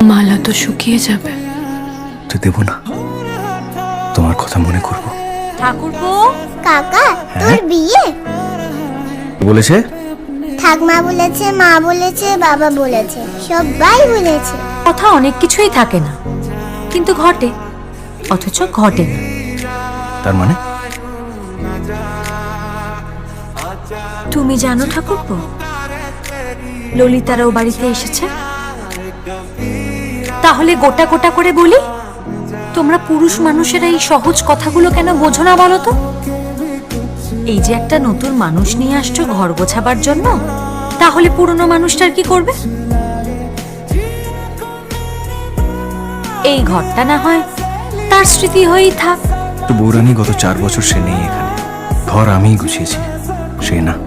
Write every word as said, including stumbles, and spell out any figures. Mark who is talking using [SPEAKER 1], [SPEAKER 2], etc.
[SPEAKER 1] মালা তো শুকিয়ে যাবে।
[SPEAKER 2] তো দেব না, তোমার কথা মনে করবো।
[SPEAKER 3] ঠাকুরপো,
[SPEAKER 4] কাকা তোর বিয়ে
[SPEAKER 2] বলেছে?
[SPEAKER 4] ঠাকমা বলেছে, মা বলেছে, বাবা বলেছে, সবাই বলেছে।
[SPEAKER 3] কথা অনেক কিছুই থাকে না, কিন্তু ঘটে, অথচ ঘটে না।
[SPEAKER 2] তার মানে?
[SPEAKER 3] তুমি জানো ঠাকুরপো, ললিতারাও বাড়িতে এসেছে। তাহলে গোটা গোটা করে বলি, তোমরা পুরুষ মানুষেরা এই সহজ কথাগুলো কেন বোঝো না বলো তো? এই যে একটা নতুন মানুষ নিয়ে আসছো ঘর গোছাবার জন্য, তাহলে পুরনো মানুষটার কি করবে? এই ঘরটা না হয় তার স্মৃতি হয়েই থাক।
[SPEAKER 2] তো বৌরানী গত চার বছর সে নেই এখানে, ঘর আমিই গুছিয়েছি, সে না।